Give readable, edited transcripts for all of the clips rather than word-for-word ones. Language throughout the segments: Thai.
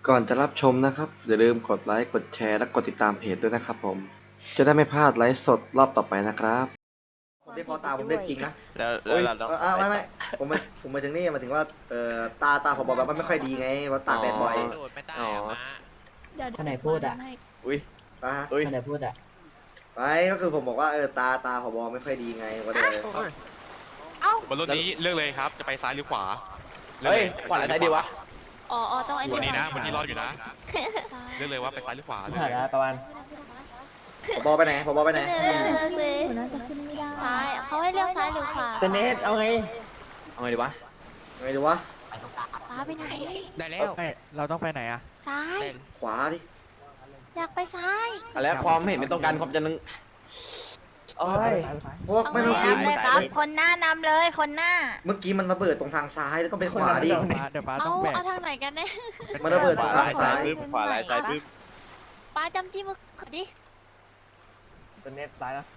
ก่อนจะรับชมนะครับอย่าลืมกดไลค์กดแชร์และกดติดตามเพจด้วยนะครับผมจะได้ไม่พลาดไลฟ์สดรอบต่อไปนะครับผมเรียกพอตาผมเรียกจริงนะแล้วเราต้องไม่ผมมาถึงนี่มาถึงว่าตาผมบอกแบบมันไม่ค่อยดีไงว่าตากแดดบ่อยโดดไม่ได้อะมาคนไหนพูดอ่ะอุ้ยนะคนไหนพูดอ่ะไม่ก็คือผมบอกว่าตาผมบอกไม่ค่อยดีไงก็เลยบนรถนี้เลือกเลยครับ จะไปซ้ายหรือขวาเฮ้ยขวาอะไรดีวะอ๋อต้องไอ้วันนี้นะก่อวันนี้รอดอยู่นะ เลือกเลยว่าไปซ้ายหรือขวาเลยผ่านแล้วประมาณผมบอกไปไหนผมบอกไปไหนเลือกเลยซ้ายเขาให้เลือกซ้ายหรือขวาเนสเอาไงเอาไงดีวะไงดูวะป้าไปไหนได้แล้วเราต้องไปไหนอะซ้ายขวาดิอยากไปซ้ายแล้วความเห็นไม่ตรงกันความจะนึงโอ้ยเพราะว่าไม่เมื่อกี้นำเลยครับคนหน้านำเลยคนหน้าเมื่อกี้มันระเบิดตรงทางซ้ายแล้วต้องไปขวาดิเดี๋ยวป้าต้องแบกเอาทางไหนกันเนี่ยมันระเบิดตรงทางซ้ายขวาลายซ้ายปึ๊บป้าจำจี้มือดิเนสตายแล้ว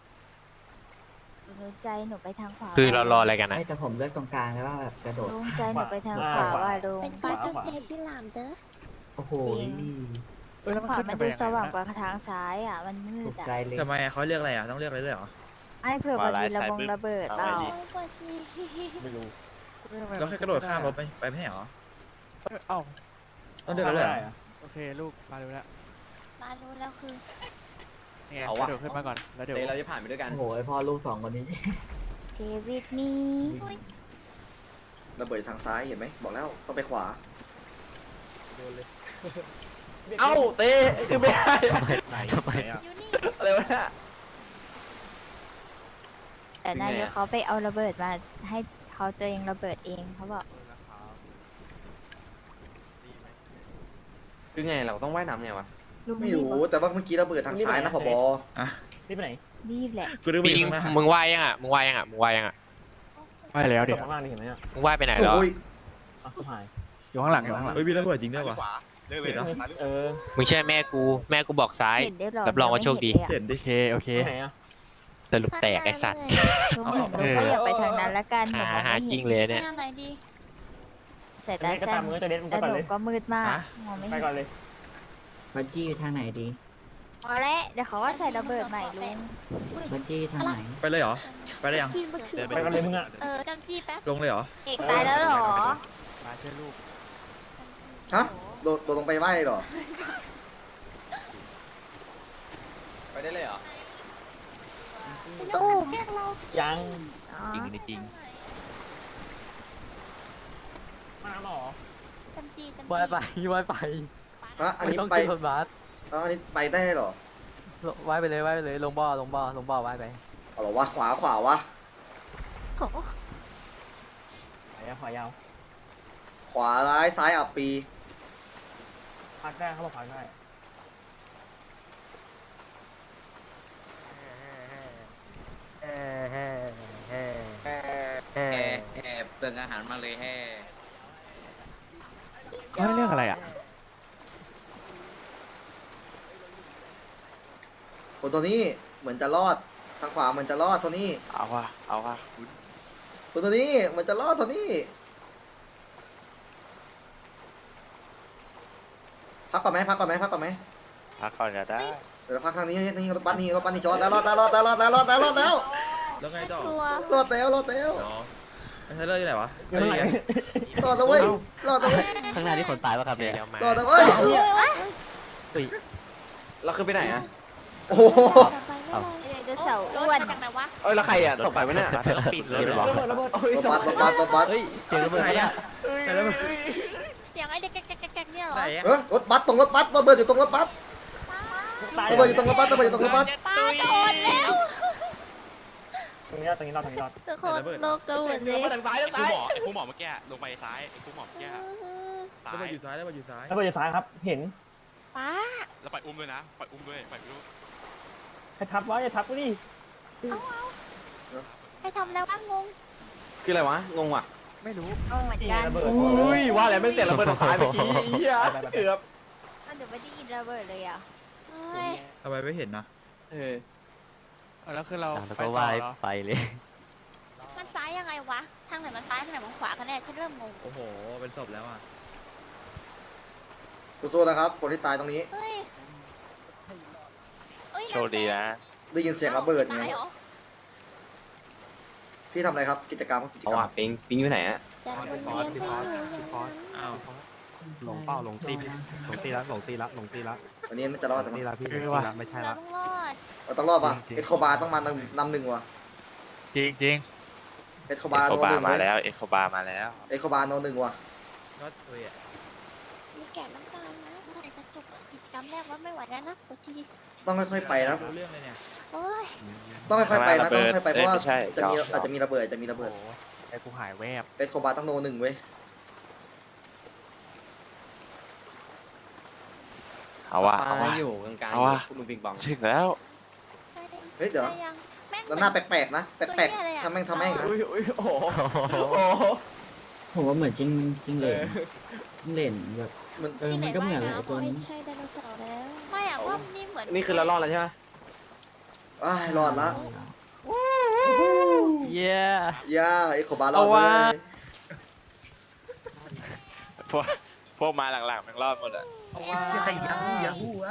รู้ใจหนูไปทางขวาคือเรารออะไรกันนะแต่ผมเลือกตรงกลางแล้วว่าแบบกระโดดลุงใจหนูไปทางขวาว่าลุงเป็นป้าช่วยเจ็บพี่หลามเด้อโอ้โหแล้วขวาขึ้มันไปดูยังไงสว่างกนะว่าทางซ้ายอ่ะมันมืถูดกอ่ะใจเลยทำไมเขาเลือกอะไรอ่ะต้องเลือกอะไรด้วยเหรอไอ้เผื่อมันมีระเบิดเปล่าไม่รู้เราแค่กระโดดข้ามรถไปไม่ใช่เหรอเอ้าต้องเลือกอะไรด้วยเหรอโอเคลูกมาดูแล้วมารู้แล้วคือนี่ไงกระโดดขึ้นมาก่อนแล้วเดี๋ยวเดี๋ยวเราจะผ่านไปด้วยกันโอ้โหพ่อลูกสองคนนี้เจวิตนี่ระเบิดทางซ้ายเห็นไหมบอกแล้วต้องไปขวาเอ้าเต้คือไม่ได้ไหนอ่ะอยู่นี่อะไรวะเนี่ยแต่นายกเขาไปเอาระเบิดมาให้เขาตัวเองระเบิดเองเขาบอกคือไงเราต้องว่ายน้ำไงวะไม่รู้แต่ว่าเมื่อกี้ระเบิดทางซ้ายนะผบนี่ไปไหนรีบแหละกูดูปิงนะมึงว่ายยังอ่ะมึงว่ายยังอ่ะมึงว่ายยังอ่ะว่ายแล้วเดี๋ยวข้างล่างนี่เห็นไหมอ่ะมึงว่ายไปไหนแล้วโอ้ยอ๋อสหายอยู่ข้างหลังอยู่ข้างหลังเฮ้ยมีระเบิดจริงด้วยวะขวาเลือกเลยนะซ้ายหรือขเอวาอมึงเชื่อแม่กูบอกซ้ายเห็นได้หรอรับรองว่าโชคดีเห็นโอดิเคโอเคไหนอ่ะสรุปแตกไอสัตว์ลุงเห็นลุงก็อยากไปทางนั้นละกันหาจริงเลยเนี่ยทางไหนดีเสร็จเนแล้วสก็แซตามมมือจะเนสมึงแล้ไปวก่อนหนูเลยก็มืดมากมองไม่ไปเห็นก่อนเลยบัญจี้ทางไหนดีพอแล้วเดี๋ยวเขาก็ใส่ระเบิดใหม่ลุงบัญจี้ทางไหนไปเลยเหรอไปได้ยังไปก่อนเลยมึงอ่ะจำจี้แป๊บลงเลยเหรอเอกตายแล้วเหรอมาช่วยลูกฮะโดดลงไปไหวเหรอไปได้เลยเหรอตู้มยังจริงจริงมาหรอจำจี้ว่ายไปว่ายไปฮะอันนี้ไม่ต้องไปขึ้นรถบัสอันนี้ไปได้เหรอว่ายไปเลยว่ายไปเลยลงบ่อว่ายไปเอาเหรอวะขวาวะโอ้โหขวายาวขวาร้ายซ้ายอับปีพักได้เขาบอกพักได้เติมอาหารมาเลยแฮ่เขาให้เรื่องอะไรอ่ะคนตัวนี้เหมือนจะรอดทางขวาเหมือนจะรอดตัวนี้เอาว่ะคุณคนตัวนี้เหมือนจะรอดตัวนี้พักก่อนไหมพักก่อนไหมพักก่อนไหมพักก่อนก็ได้เดี๋ยวพักทางนี้นี่รถบัสนี่จอดแล้วรอดแล้วแล้วไงต่อตัวรอดแล้วอ๋อไอ้ไทเลอร์อยู่ไหนวะอยู่ไหนรอดแล้วเว้ยรอดแล้วเว้ยข้างหน้าที่คนตายป่ะครับเนี่ยเดี๋ยวมารอดแล้วเว้ยเราคือไปไหนอ่ะโอ้โหเดี๋ยวเสาอ้วนเอ้ยแล้วใครอ่ะตกไปวะเนี่ยต้องปิดเลยเหรอระเบิดโอ้ยรถบัสเฮ้ยเสียงระเบิดไหนเนี่ยอ่ะไหนระเบิดเสียงไอ้เด็กแกเนี่ยเหรอไหนอ่ะรถบัสตรงรถบัสระเบิดอยู่ตรงรถบัสตายระเบิดอยู่ตรงรถบัสระเบิดอยู่ตรงรถบัสป้าโดนแล้วตรงนี้รอดตรงนี้รอดทุกคนโลกกันหมดเลยมาทางซ้ายทางไอ้ซ้ายคู่หมอเมื่อกี้ลงไปซ้ายไอ้คู่หมอเมื่อกี้ซ้าระเบิดยอยู่ซ้ายระเบิดอยู่ซ้ายระเบิดอยู่ซ้ายครับ เห็นป้าแล้วปล่อยอุ้มด้วยนะปล่อยอุ้มด้วยปล่อยลูกใครทับวะอย่าทับกูดิให้ทำแล้วว่างงคืออะไรวะงงว่ะไม่รู้งงเหมือนกันระเบิดอุ้ยว่าแล้วไม่เสร็จระเบิดทางซ้ายเมื่อกี้เหี้ยเกือบเดี๋ยวไม่ได้ยินระเบิดเลยอ่ะเฮ้ยทำไมไม่เห็นนะเออแล้วคือเราแล้วไปก็ต่อว่ายเหรอไปเลยมันซ้ายยังไงวะ ทางไหนมันซ้ายทางไหนมันขวากันแน่ฉันเริ่มงงโอ้โหเป็นศพแล้วอ่ะสู้ๆนะครับคนที่ตายตรงนี้เฮ้ยเฮ้ยโชคดีนะได้ยินเสียงระเบิดไงตายเหรอพี่ทำอะไรครับกิจกรรมกิจเอากรรว่ะมปิงอยู่ไหนอะจะวนเวียนไปอยู่อย่างนั้นอ้าวหลงเป้าหลงตีละหลงตีละหลงตีละวันนี้น่าจะรอดหลแต่งตีมั้ละพี่ไม่ใช่เราละต้องรอดเราต้องรอดป่ะเอ็กโคบาต้องมานำหนึ่งว่ะจริงจริงเอ็กโคเอ็บากโคโนบาหนึ่งมาเว้ยแล้วเอ็กโคบามาแล้วเอ็กโคบาโนหนึ่งว่ะรอดเลยอ่ะมีแก่น้ำตาลนะเมื่อไหร่จะจบกิจกรรมแรกว่าไม่ไหวแล้วนะปวดทีต้องค่อยๆไปนะรู้เรื่องเลยเนี่ยโอ้ยต้องค่อยๆไปนะต้องค่อยๆไปเพราะว่าไม่ใช่จะมีอาจจะมีระเบิดจะมีระเบิดไอ้กูหายแวบเอ็กโคบาต้องโนหนึ่งเว้ยเอาว่ะปเอาลาว่ะอยู่กลางเอาๆว่ะคุณลุงปิงปองถึงแล้วเฮ้ยเดี๋ยวได้ยังแม่งแล้วหน้าแปลกๆนะแปลกตัวเหี้ยอะไรอะๆทำแม่งนะอุ้ยอุ้ยโอ้โหผมว่าเหมือนจริงเหลนเหลนแบบมันมันก็เหมือนแหละไอ้ตัวนี้ไม่ใช่ไดโนเสาร์แล้วไม่อะว่านี่เหมือนนี่คือเรารอดแล้วใช่ไหมอ้ายรอดละเย้ย่าเอ็กโคบารอดเอาเลว่ะยพวกมาหลังๆมันรอดหมดอะใครยาฮูอะ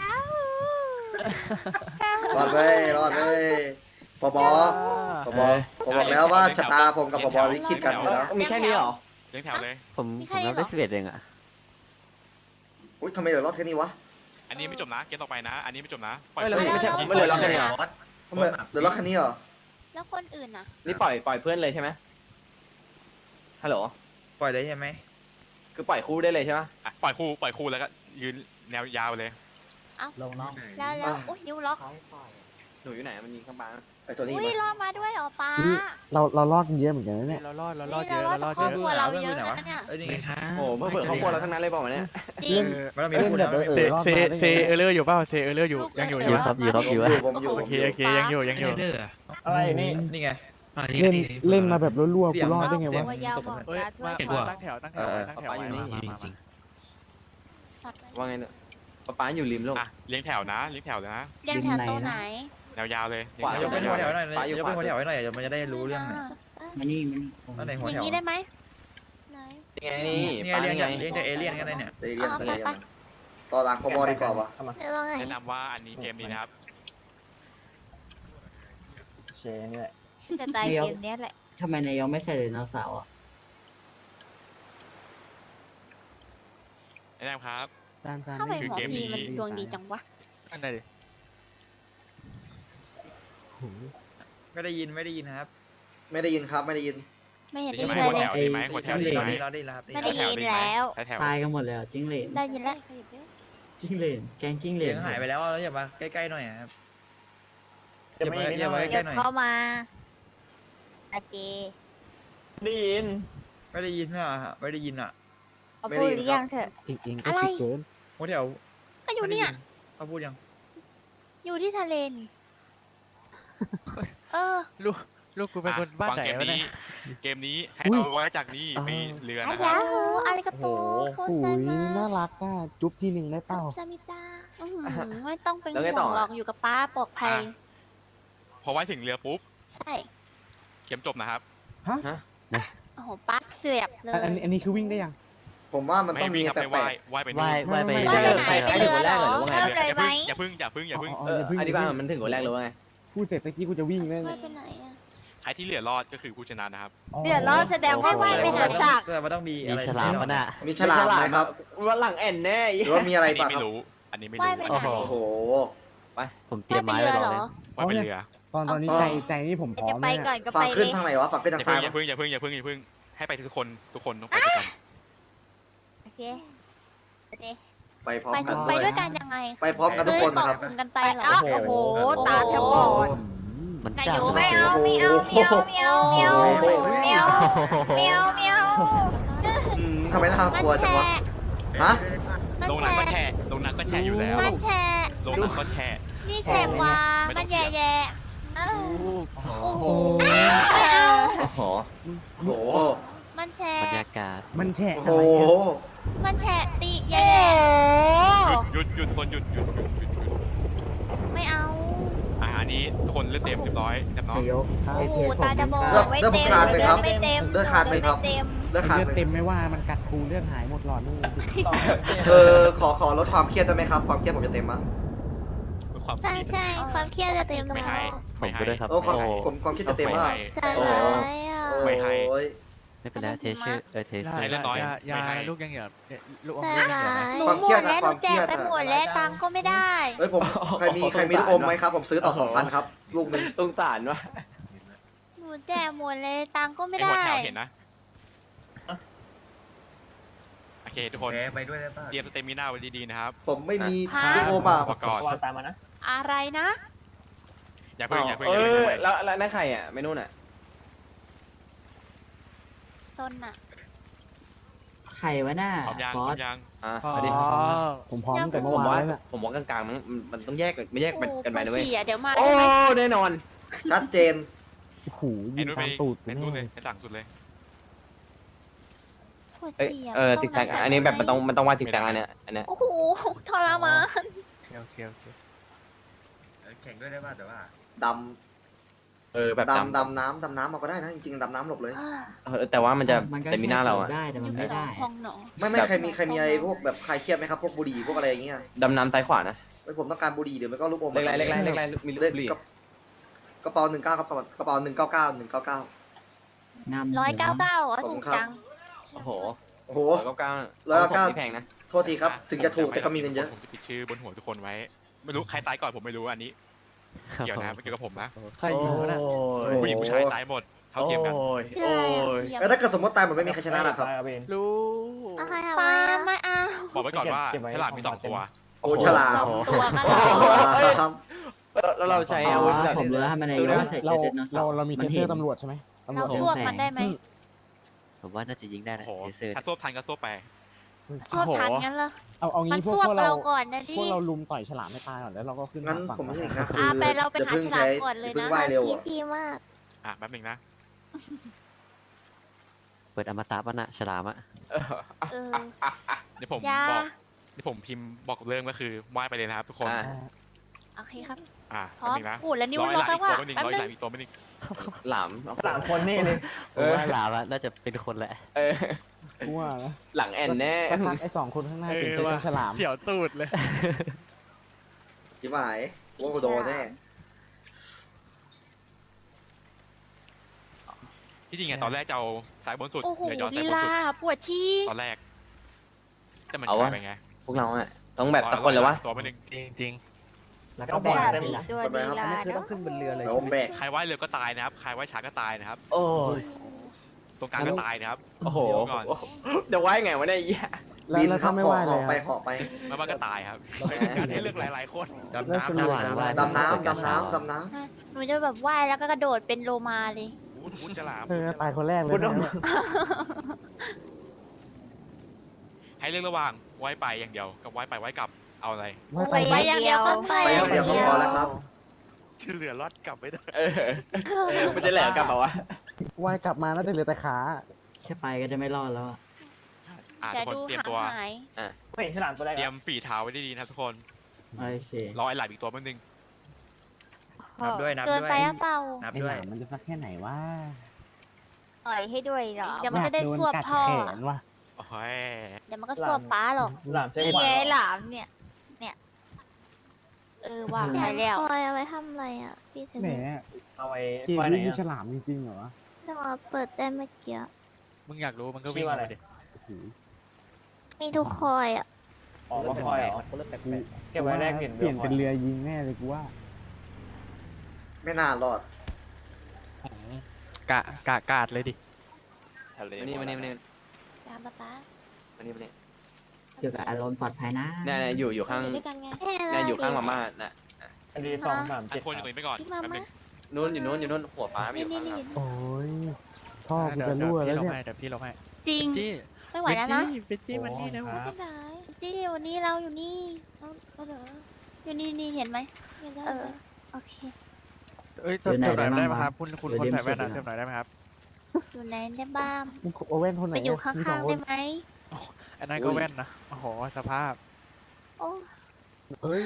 รอดเว้ยรอดเว้ยปบผมบอกแล้วว่าชะตาผมกับปบลิขิตกันอยู่แล้วมีแค่นี้เหรอเลี้ยงแถวเลยผมรับได้11เองอ่ะอุ้ยทำไมเหลือรอดแค่นี้วะอันนี้ไม่จบนะเกมต่อไปนะ อันนี้ไม่จบนะปล่อยไม่ไปใช่ไม่เหลือเราแค่นี้เหรอทำไมเหลือรอดแค่นี้เหรอแล้วคนอื่นน่ะนี่ปล่อยเพื่อนเลยใช่ไหมฮัลโหลปล่อยได้ใช่ไหมคือปล่อยคู่ได้เลยใช่ไหมอ่ะปล่อยคู่แล้วก็ยืนแนวยาวเลยลงน้องแล้วอุ้ยนิ้วล็อกหนูอยู่ไหนมันยิงข้างบ้านไอ้ตัวนี้อุ้ยมารอดมาด้วยเหรอป้าเรารอดกันเยอะเหมือนกันนะเนี่ยเรารอดนี่เรารอดจากครอบครัวเราเยอะนะเนี่ยเอ้ยนี่ไงโอ้โหเมื่อเผื่อครอบครัวเราทั้งนั้นเลยบอกมาเนี่ยจริงมันต้องมีพูดนะเซเออร์เลอร์อยู่เปล่าเซเออร์เลอร์อยู่ยังอยู่อยู่ครับผมอยู่โอเคยังอยู่อะไรนี่นี่ไงเล่นมาแบบรัวๆเสีกูยงรอดได้ไงวะตัวยาวหมดเอ้ยตาช่วยมาตั้งแถวไว้มาสัตว์ว่าไงเนี่ยป้าอยู่ริมโลกอ่ะเลี้ยงแถวนะเลี้ยงแถวนะเรียงแถวตัวไหนแนวยาวเลยเลี้ยงขวาแถยว กเป็นหัวแถวหน่อยปลาอยู่ยกเป็นหัวแถวให้หน่อยเดี๋ยวมันจะได้รู้เรื่องหน่อยมานี่อันไหนหัอวแถย่างวนี้ได้ไหมไหนนี่ไงนี่นี่ป้าไงเรียนี่งไงเรียงจากเอเลี่ยนกันได้เนี่ยเรียนต่อหลังปบดีกว่าวะเรื่องไงแนะนำว่าอันนี้เกมนี้นะครับเชนี่แหละจะตายเกมเนี้ยแหละทำไมนายยอมไม่ใส่เลยน้องสาวอ่ะแนะนำครับสั้นทำไมคือหมอเกมนี้พีมันดวงดีจังวะอันไหนดิไม่ได้ยินครับไม่ได้ยินครับไม่ได้ยินไม่เห็นดีได้ไหมยินหัเลวย แถวดีไหมหัวแถวดีไหมเราได้แล้วไม่ได้ยินแล้วแถวตายกันหมดเลยจิ้งเหลนได้ยินแล้วจิ้งเหลนแกงจิ้งเหลเสียนงหายไปแล้วแล้วอย่ามาใกล้ๆหน่อยครับจะไม่อย่ามาเดี๋ใกยล้ว ๆหน่อยเข้ามาโอเคได้ยินไม่ได้ยินอ่ะไม่ได้ยินอ่ะเอาพูดหรือยังเถอะเองอะไรหัวแถวก็อยู่เนี่ยเขาพูดยังอยู่ที่ทะเลนี่เออลูกกูเป็นคนบ้านฟังไหนเกมวะเนี่นี้ยเกมนี้ให้เอาไว้จากนี่มีเรืออานะครัยาบฮูอาริกาโตโคไซมาน่ารักอ่ะจุ๊บทีหนึ่งได้เปล่าซามิตาไม่ต้องเป็นแล้วไงห่ต่วองหรอกอยู่กับป้าปลอดภัยพอไว้ถึงเรือปุ๊บใช่เกมจบนะครับโอ้โหป้าเสียบเลยอันนี้คือวิ่งได้ยังผมว่ามันไม่ต้องมีวิ่งครับแปไปลว่ายกว่ายไปว่ายไปไปไหนไปเรือเหรอเริ่มเลยไหมอย่าพึ่งอย่าพึ่งอย่าพึ่งอธิบายมันถึงหัวแรกเลยว่าไงพูดเสร็จเมื่อกี้กูจะวิ่งเลยว่ายไปไหนอะใครที่เหลือรอดก็คือผู้ชนะนะครับเดือดร้อนแสดงว่าว่ายไปเถอะสักแต่ว่าต้องมีอะไรๆมีฉลามไหมครับว่าหลังแอนแน่หรือว่ามีอะไรอันนี้ปะไม่ครับรู้อันนี้ไม่ว่ายรู้ไปไหนโอ้โหไปผมเตว่ายไปเรือเหรอว่ายไปเรือตอนนี้ใจนี่ผมพร้อจะมไปก่อนก็ฝั่ไปงเลขึ้นยทางไหนวะฝั่งขึ้นอทางย่าซ้ายพึ่งวะอย่าพึ่งให้ไปทุกคนต้องไปด้วยกันโอเคไปพร้อมไปกันไปด้วยกันยังไงไปพร้อมกันทุกคนนะครับเกาะกลุ่มกันไปเหรอโอ้โหตาแทบบอดมันนายจ้าอยู่ไม่เอาไม่เอาไม่เอาไม่เอาไม่เอาไม่เอาไม่เอาไม่เอาทำไมน่ากลัวจังวะฮะมันลงแฉน้ำก็แช่ลงน้ำก็แช่อยู่แล้วมันแฉลงน้ำก็แช่นี่แฉกว่ามันแย่แย่โอ้โหโอ้โหโอ้โหมันแฉบรรยากาศมันแฉะโอ้โหมันแฉติแย่หยุดคนหยุดไม่เอาอันนี้ทุกคนเลือดเต็มเรียบร้อยเรียบร้อยเดี๋ยวโอ้โหตาจะบอดไม่เต็มเลือดไม่เต็มเลือดขาดเลืเลอย ดครับไม่เต็มเลือดขาดเลือดเลยเต็มไม่ว่ามันกัดกูเลือดหายหมดหรลอดนี่ขอลดความเครียดได้ไหมครับ ความเครียดผมจะเต็มมั้งความใช่ใช่ความเครียดจะเต็มไม่แล้ให้วไม่ให้โอ้ความเครียดจะเต็มไม่มากให้ใจร้ายอ่ะไม่ให้โอ้ยไม่เป็นไรเทชื่อเทให้เล่นน้อยยาไม่ให้ลูกยังเหลือลูกอมใจลูกยังเหลือร้าไหมยหนูความหเคมรียดดนะแล้วหนูแจกความเครียดไปหมดแล้วตังค์ก็ไม่ได้เฮ้ยผมใครมีลูกอมไหมครับ ผมซื้อต่อ2,000ครับ ลูกหนึ่งสงสารวะหนูแจกหมดเลยตังค์ก็ไม่ไอ้หัวได้แถวเห็นนะโอเคทุกคนไปด้วยได้ป่ะเตรียมสเตมิน่าไว้ดีๆนะครับผมไม่มีฮะลูกอมอ่ะประกอบวางตามมานะอะไรนะอย่าเพิ่งอย่าเพิ่งเออย่าเพิ่งอแล้วนั่นใครอ่ะไม่นู่นอ่ะซนอ่ะไข่วะหน้าพร้อมยังพร้อมยังอ่ะอ๋อมาดิผมพร้อมตั้งแต่ผเมื่อมวานว่าแล้วน่ะผมว่ากลางๆมันต้องแยกไม่แยกกันไปนะเว้ยโอ้โหปวดฉี่อะเดี๋ยวมาโอ้ใช่ไหมแน่นอนชัดเจนโอ้โหยิไอ้งนู้นตาไปมตูดกูไอ้แน่นู้นเลยไอ้ต่างสุดเลยปวดเอ้ยฉี่อะติ๊กแซกอันนี้แบบมันต้องวาดติ๊กแซกอันเนี้ยโอ้โหทรมานโอเคดแข่งด้วยได้ป่ะแต่ว่าำดำดำน้ำมาก็ได้นะ จริงๆดำน้ำหลบเลยแต่ว่ามันจะแต่มีหน้าเราอ่ะได้แต่มันไม่ได้ห้องหนอไม่ใครมีอะไรพวกแบบคลายเครียดไหมครับ พวกบุหรี่พวกอะไรอย่างเงี้ยดำน้ำซ้ายขวานะเฮ้ยผมต้องการบุหรี่เดี๋ยวมันก็ลูกอมเล็กไรมีลูกเลขบุหรี่กระเป๋า19ครับกระเป๋า199 199อ่ะขอบคุถูณกครับจังโอ้โหโอ้โห 199นี่แพงนะโทษทีครับ ถึงจะถูกแต่ก็มีเงินเยอะผมจะปิดชื่อบนหัวทุกคนไว้ ไม่รู้ใครตายก่อนผมไม่รู้อันนี้ เกี่ยวนะไม่เกี่ยวกับผมนะใครยิงวะน่ะผู้หญิงผู้ชายตายหมดเท่าเทียมกันชื่ออะไรอ่ะแล้วถ้าเกิดสมมติตายหมดไม่มีใครชนะหรอกครับไปเนรู้อะไรอะปาไม่เอาบอกไว้ก่อนว่าเก็บไว้ฉลามมี2 ตัวโอ้ฉลามตัวก็ได้ครับแล้วเราใช้อาวุธแบบผมรู้ว่ามันในเรามีเทสเซอร์ตำรวจใช่ไหมตำรเราวจสวบมันได้ไหมผมว่าน่าจะยิงได้โอ้นะโหเทเซอร์ถ้าซวบทันก็ซวบไปสวบทันงั้นเหรอเอามันงี้พวสกวบเราเราก่อนนะดิพวกเราลุมต่อยฉลามไม่ตายก่อนแล้วเราก็ขึ้นงั้นฝั่งผมไม่อีกนะไปเราไปหาฉลามก่อนเลยนะไหวเร็วพี่อะพีมากอ่ะแป๊บหนึงนะเปิดอมตะปะนะฉลามอะเออเดี๋ยวผมยาบอกเดี๋ยวผมพิมพ์บอกเรื่องก็คือว่ายไปเลยนะครับทุกคนโอเคครับอ่ะพร้แป๊อบ มนึงนะพูดแล้วนิ้วร้อยล็หอกลามแล้วอีกว่าตัวไม่หนึ่งแป๊บร้อยนึหลาง มอีกตัวไม่หนึ่งหลาม 3 คนนี่เลยผมว่าฉลามอะน่าจะเป็นคนแหละกูว่านะหลังแอนแน่สักพักไอ้2 คนข้างหน้าเอเป็นอเจ้าว่ะฉลามเขียวตูดเลยจิ๋วหายว่ากูโดนแน่ที่จริงอะตอนแรกจะเอาสายบนสุดโอ้โหเดี๋ยวย้อนสาลียบนลาสุดปวดชี้ตอนแรก แต่มันเอากวะลายไปไงพวกเราอ่ะต้องแบบตะคนเลยวะตัวไม่หนึ่งจริงแล้วก็แบ่งแบบเต็มอีกนะตัวลีลาเนอะเดี๋ยวผมแบกใครว่ายเรือก็ตายนะครับ ใครว่ายช้าก็ตายนะครับโอ้ยตรงกลางก็ตายนะครับโอ้โหเดี๋ยวก่อนเดี๋ยวไว้ไงวะเนี่ยไอ้เหี้ยแล้วถ้าไม่ไหวเลยไปเหาะไปไม่ว่าก็ตายครับเป็นการให้เลือกหลายๆคนดำแล้วน้ำฉลามดำน้ำหนูจะแบบว่ายแล้วก็กระโดดเป็นโลมาเลยวุ้นฉลามตายคนแรกเลยพูดนะให้เลือกระหว่างว่ายไปอย่างเดียวกับว่ายไปว่ายกลับเอาอะไรไปไปอย่างเดียวก็ไปไปอย่างเดียวก็พอแล้วครับชื่อเรือรอดกลับไม่ได้มันจะแหลกกลับมาวะว่ายกลับมาน่าจะเหลือแต่ขาแค่ไปก็จะไม่รอดแล้วอะเดี๋ยวทุกคนดูเตรียมหางตัวหายไม่เห็นฉลามตัวแรกเตรียมฝีเท้าไว้ดีๆนะครับทุกคนโอเครอไอ้หลายอีกตัวแป๊บนึงนับด้วยนับเกินด้วยไปหรือเปล่านับไอ้ด้หวยลามมันจะสักแค่ไหนวะอ่อยให้ด้วยเหรอ เดี๋ยวมันจะได้สวบกัดพ่อแขนว่ะโอ้ยเดี๋ยวมันก็สวบป้าหรอกหลามใช้นี่ขวาไงนหลามเนี่ย ว่าไปแล้วคอยเอาไว้ทำอะไรอ่ะ พี่เทนแหมเอาไว้เกมไว้ไหนนี้มีอะฉลามจริงๆเหรอจะมาเปิดได้เมื่อกี้มึงอยากรู้มันก็ชื่วิ่งอว่ามาอะไรดิโอ้โหมีทุกคอยอ่ะอ๋อว่าคอยเหรอเก็บไว้แรกเห็นเปลี่ยนเป็นเรือยิงแน่เลยกูว่าไม่น่ารอดกาดเลยดิมานี่ตามป้าเกี่ยวกับอารมณ์ปลอดภัยนะเนี่ยอยู่ข้างอยู่ด้วยกันไงเนี่ยอยู่ข้างมาม่าน่ะอันนี้2 3 อัน 7 คนอยู่ตรงนี้ไปก่อนพี่มาแป๊บนึมางนู้นอยู่นู้นหัวฟ้าไม่อยู่นี่ข้างนี่หลังโอ้ยท่อกูจะรั่วแล้วเนี่ยเดี๋ยวพี่ลงให้จริงจี้ไม่ไหวแล้วนะเป็นจี้มันนี่นะคไม่รับได้จี้วันนี้เราอยู่นี่อยู่นี่เห็นไหมโอเคเอ้ยเติมหน่อยได้ไหมครับคุณคนใส่แว่นนะเติมหน่อยได้ไหมครับอยู่ไหนได้บ้างมึงเอาแว่นคนไหนไปอยู่ข้างมีสๆคได้นไหมอันนั้นก็แว่นนะโอ้โหสภาพโอ้เฮ้ย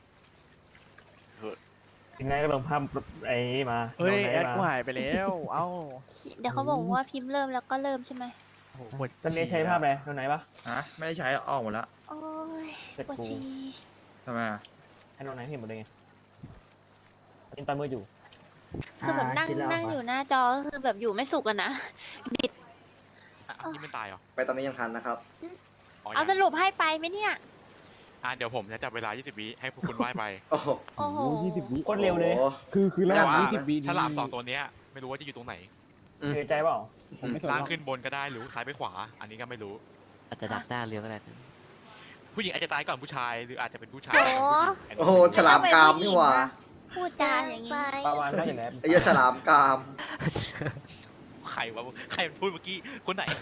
ทีนี้ก็ลงภาพไอ้นี่มาเฮ้ยลงไหนแอดมากูหายไปแล้ว เอ้าเดี๋ยวเขาบอกว่าพิมพ์เริ่มแล้วก็เริ่มใช่ไหมโอ้โหปวดตอนนี้ใช้ภาพอะไรตรงไหนปะฮะไม่ได้ใช้ออกหมดแล้วโอ้ยเสร็จปวดกูฉี่ทำไมอ่ะให้ตรงไหนเห็นหมดเลยไงกินตามืออยู่คือแบบนั่งอยู่หน้าจอก็คือแบบอยู่ไม่สุขอะนะบิดอ่ะนี่ไม่ตายเหรอไปตอนนี้ยังทันนะครับอ๋อเอายังสรุปให้ไปไหมเนี่ยเดี๋ยวผมจะจับเวลา 20 วิให้พวกคุณว่ายไปโอ้โหโอ้โห 20 วิโคตรเร็วเลยโอ้คือระแต่หว่างว่า 20 วิฉลามสองตัวเนี้ยไม่รู้ว่าจะอยู่ตรงไหนเสียใจเปล่าผมไม่สนหรล่างอกขึ้นบนก็ได้หรือซ้ายไปขวา อันนี้ก็ไม่รู้อาจจะดักหน้าเรือก็ได้ผู้หญิงอาจจะตายก่อนผู้ชาย หรืออาจจะเป็นผู้ชายโอ้ก่อนผู้หญิงโอ้โหฉลามกรามนี่หว่าพูดจาอย่างนี้ประมาณว่าอย่างไรไอ้เหี้ยฉลามกรามใครวะใครมันพูดเมื่อกี้คนไหน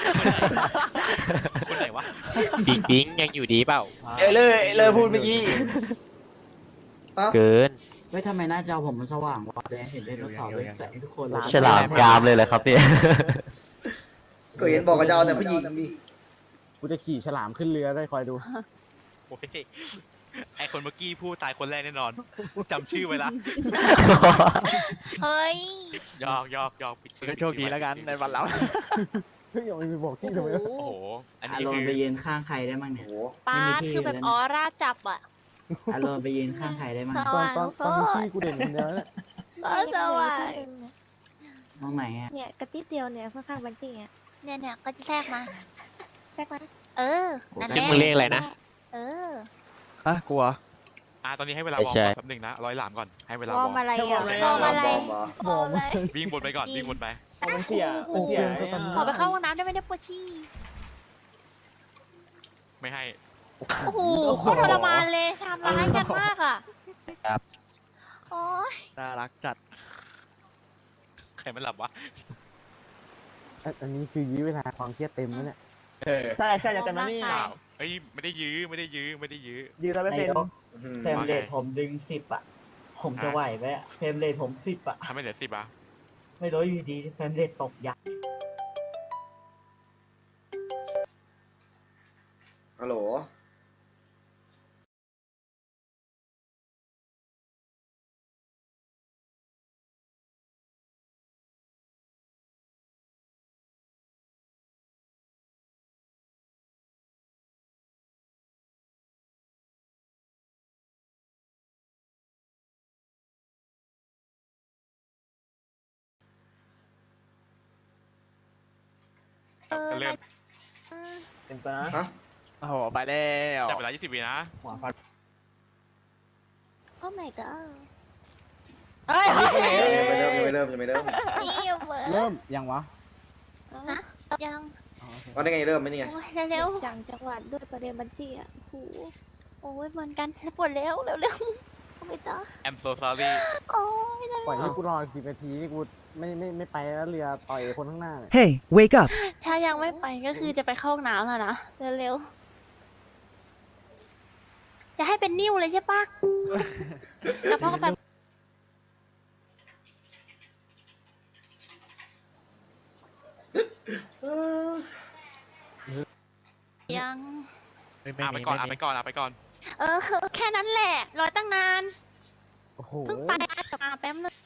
คนไหนวะปิงปิงยังอยู่ดีเปล่าเลยพูดเมื่อกี้เกินไม่ทำไมหน้าจอผมมันสว่างวะเห็นไดโนเสาร์เป็นแสงทุกคนเลยฉลามกรามเลยเหรอครับเนี่ยก็เห็นบอกกับเจ้าแต่ผู้หญิงนี่กูจะขี่ฉลามขึ้นเรือได้คอยดูโอ้ยไอคนเมื่อกี้พูดตายคนแรกแน่นอนจำชื่อไว้ละเฮ้ยยอกปิดชื่อโชคดีแล้วกันในวันเราเฮ้ยอย่าไปบอกชื่อทำไมวะโอ้โห อันอานี้รมคือณ์ไปยืนข้างใครได้มั้งโอ้เนี่ยโหป้าไม่มีที่คือแบบแล้วนะออร่าจับอะอารมณ์ไปยืนข้างใครได้มั้งตอนมีชื่อกูเด่นคนเดียวเนี่ยก็สว่างมองไหนอ่ะเนี่ยกระติดเดียวเนี่ยข้างๆบัญชีอ่ะเนี่ยก็แทรกมาแซ่กมาเออ นั่นแหนี่ละมึงเรียกอะไรนะเออฮะกลัวตอนนี้ให้เวลาไม่วอร์มใช่แป๊บหนึงนะร้อยหลามก่อนให้เวลาวออร์ร์มมอะไรอ่ะวอร์มอะไรเหรอวอร์มอะไรวิ่งบนไปก่อนวิ่งบนไปเอามันเสียมันเสียขอไปเข้าห้องน้ำได้ไหมเนี่ยปวดฉี่ไม่ให้โอ้โหโคตรทรมานเลยทำร้ายกันมากอ่ะครับโอ้ยน่ารักจัดใครมันหลับวะอันนี้คือยื้อเวลาความเครียดเต็มแล้วเนี่ยใช่จะเต็มแล้วนี่เปล่าเฮ้ยไม่ได้ยื้อไม่ได้ยื้อไม่ได้ยื้อยืน100% นายกอื้อหือเฟรมเรทผมดึง10อ่ะ ผมจะไหวไหมอะเฟรมเรทผม10อ่ะทำให้เหลือ10 ไม่รู้อยู่ดีเฟรมเรทตกยับฮัลโหลก็เริ่มเต็มตัวนะฮะโอ้โห ไปแล้วจับเวลา 20 วินะหัวฟันโอ้ my god เฮ้ยยังไม่เริ่มนี่เหมือนเริ่มยังวะยังอ๋อโอเคว่าได้ไงเริ่มไหมเนี่ยโอ้ยเร็วจังจังหวัดด้วยประเด็นบัญชีอ่ะโอ้โหๆโอ้ยเหมือนกันปวดเร็วเร็วไม่ต้อง I'm so sorry ๆโอ้ยปล่อยให้กูรอ10 นาทีนี่กูไม่ไปแล้วเรือต่อยคนข้างหน้าเนี่ย Hey wake up ถ้ายังไม่ไปก็คือจะไปเข้าห้องน้ำแล้วนะเร็วๆจะให้เป็นนิ้วเลยใช่ปะกับพ่อกับยังไม่ไปมีก่อนไม่ไปมีก่อนไปก่อนแค่นั้นแหละรอตั้งนานโอ้โหเพิ่งไปมาแป๊บนึง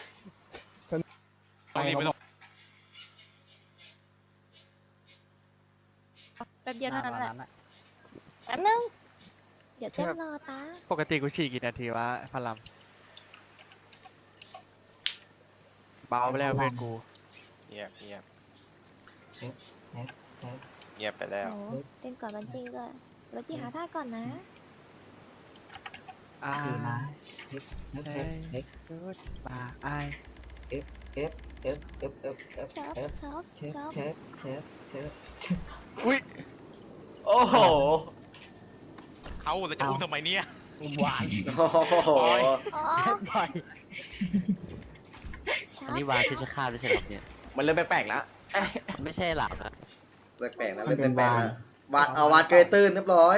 ต้องรีบไม่ต้องแป๊บเดียวเท่านั้นแหละอะแป๊บนึงเดี๋ยวเต้นรอตาปกติกูฉี่กี่นาทีวะพลัมเบาไปแล้วเพื่อนกูเงียบเงียบเงียบไปแล้วโอ้เต้นก่อนบัญชีด้วยบัญชีหาท่าก่อนนะอ่าขี่ม้าเฮ้ยกูดบาไอ F F F F F ชอบ F ชอบเชฟชอบเชฟเชฟเชฟโอ้โหเขาเราจะอุ้มทำไมเนี่ยหวานโอ้โหอ๋อชออันบนี้วาที่จะฆ่าไม่ใช่หรอเนี่ยมันเริ่มแปลกๆแล้วไม่ใช่หลับนะแปลกๆนะเล่นแปลกๆนะวาดเอาวาดเกยตื้นเรียบร้อย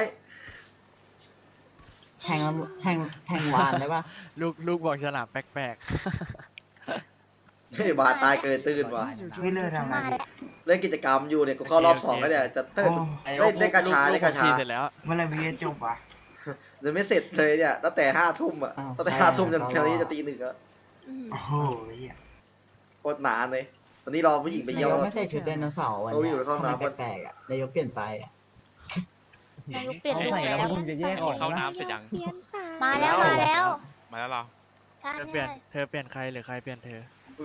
แทงแล้วแทงวานได้ปะลูกบอกฉลามแปลกเฮ้ยวาดตายเกยตื้นว่ะไม่เลิกทำไมมาแล้วเล่นกิจกรรมอยู่เนี่ยกูเข้ารอบ2แล้วเนี่ยจะเต้นๆไอ้ได้กระชาลูได้กระชาผมฉี่เสร็จแล้วเมื่อไรวีจบอ่ะยังไม่เสร็จเลยเนี่ยตั้งแต่5 ทุ่มอ่ะอ้าวตั้งแต่5 ทุ่มจนแค่นี้จะตี 1อ่ะอืมโอ้โหโคตรนานเลยวันนี้รอผู้หญิงไปเยี่ยมนายกไม่ใช่ชุดไดโนเสาร์วันเขาอเนี้ยู่ในห้องทำไมน้ำแปลกๆอ่ะนายกเปลี่ยนไปอ่ะนายกเปลี่ยนเขารูปใส่แล้แล้ววมึงจะแยกออกเข้านะน้ำเสร็จยังเปลี่ยนตามามาแล้วมาแล้วมาแล้วเหรอใช่เธอเปลี่ยนเธอเปลี่ยนใครหรือใครเปลี่ยนเธอ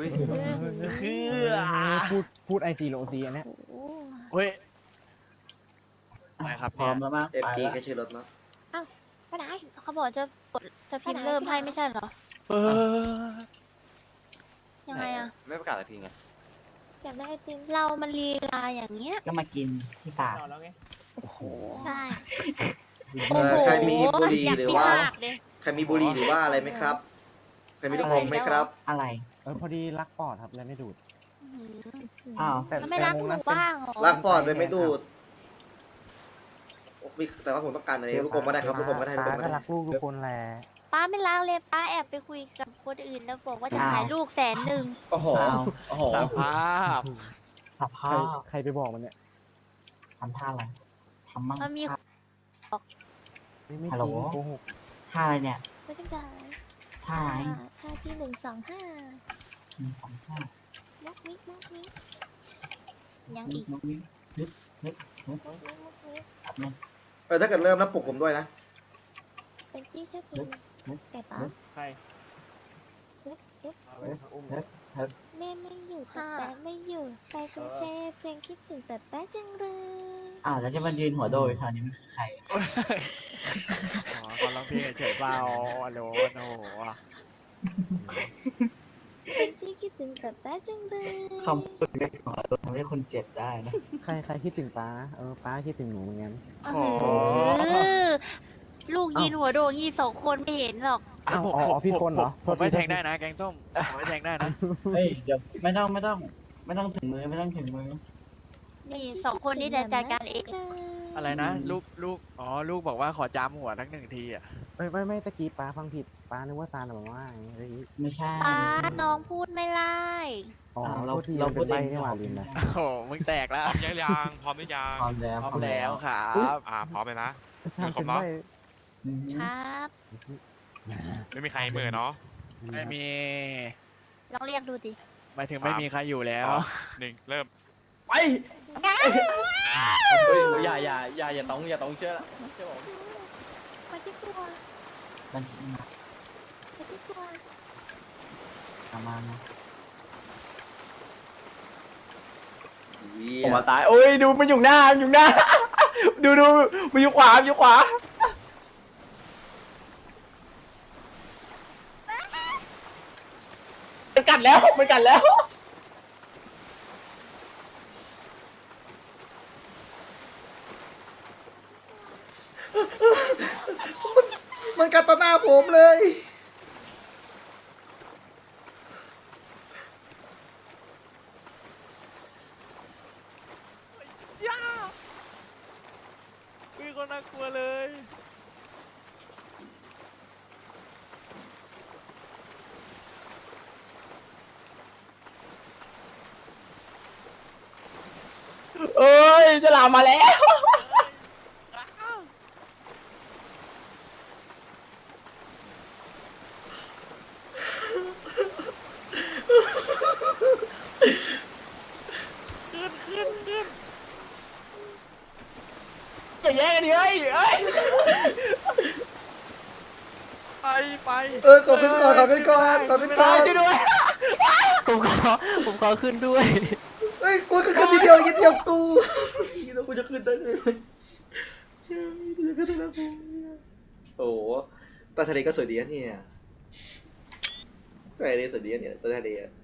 พูดไอซีโลซีอันเนี้ยโอ้โหเฮ้ยไปครับพร้อมเนี่ยแล้วมั้งเอฟไปจีแล้วแค่ชื่อรถเนาะไปไหนเขาบอกจะกดจะพิมพ์เริ่มให้ไม่ใช่เหรอเออยังไงอะไม่ประกาศอะไรทีไงอยากได้ไอติมเรามันลีลาอย่างเงี้ยก็มากินที่ปากนอนแล้วไงโอ้โหได้เออใครมีบุหรี่อยากหรือฟิว่าปากเลยใครมีบุหรี่หรือว่าอะไรไหมครับ ใครมีลูกอมไหมครับอะไรพอดีรักปอดครับเลยไม่ดูดอื้อหืออ้าวแต่แล้วไม่รักหนูบ้างเหรอล้างปอดเลยไม่ดูดมีแต่ว่าผมต้องการอะไรลูกอมก็ได้ครับลูกอมก็ได้ลูกอป้ามก็ก็ได้รักลูกทุกคนแหละป้าไม่รักเลยป้าแอบไปคุยกับคนอื่นแล้วบอกว่าจะขายลูก100,000 โอ้โหอ้าวโอ้โหสภาพสใครภาพใครไปบอกมันเนี่ยทำท่าอะไรทำมั่งมันมีไม่ฮัลจโหลริงโกหกท่าอะไรเนี่ยไม่จังได้ท่าไหนท่าที่125 ของท่ามุกมิกมุกมิกยังอีกมุกมิกนึกนึกนึกมุกมิกมุกมิกแบบนึงถ้าเกิดเริ่มแล้วปลุกผมด้วยนะเป็นจี้เจ้าพิมแกป๋าใครแม่ไม่อยู่แต่แป๊ะไม่อยู่ไปกรุงเทพเพลงคิดถึงแต่แป๊ะจังเลยอ้าวแล้วจะมายืนหัวโดยคราวนี้มันคือใครอ๋อคนร้องเพลงเฉยๆเปล่าโหลโอ้โหเป็นจี้คิดถึงแต่แป๊ะจังเลยคำพูดเล็กของเราทำให้คนเจ็บได้นะใครคิดถึงป้าป้าคิดถึงหนูเหมือนกันลูกยินหัวโดงยี่2 คนไม่เห็นหรอกอ้าวอ๋อพี่คนเหรอผมไม่แทงได้นะแกงส้มผมไม่แทงได้นะเฮ้ยเดี๋ยวไม่ต้องถึงมือไม่ต้องถึงมือนี่2 คนนี้เดี๋ยวจัดการเองอะไรนะลูกอ๋อลูกบอกว่าขอจามหัวทั้ง1 ทีอ่ะไม่ตะกี้ป้าฟังผิดป้านึกว่าซานบอกว่าอย่างงี้ไม่ใช่ป้าน้องพูดไม่ไล่อ๋อเราโทษทีเราเราพูเป็ดนเองใบนี่หว่าลืมนะโอ้โหมึงแตกพแล้วร้อมยังพร้อมหรือยังพร้อมแล้วพร้อมแล้วครับพร้อมเลยนะซานเป็นใบอืมครับไม่มีใครเหมือเนาะไม่มีลองเรียกดูดิหมายถึงไม่มีใครอยู่แล้ว 1เริ่มไปอย่าต้องเชื่อละเชื่อผมมาที่ครัวมันคิดมามาที่ครัวประมาณนะผมมาตายโอ้ยดูมันอยู่หน้า ดูมันอยู่ขวามันกัดแล้วมันกัดต่อหน้าผมเลยมีคนน่ากลัวเลยเอ้ยจะลามมาแล้ว อย่าแย่งกันดิเฮ้ยไปขอขึ้นก่อนขอขึ้นก่อนขอขึ้นก่อนช่วยด้วยผมขอขึ้นด้วยเฮ้ยกูก็ขึ้นทีเดียวนิดเดียวกูแล้วกูจะขึ้นได้เลยกูจะขึ้นได้แล้วกูโอ้โหใต้ทะเลก็สวยดีนะเนี่ยใต้ทะเลสวยดีนะเนี่ยใต้ทะเลอะ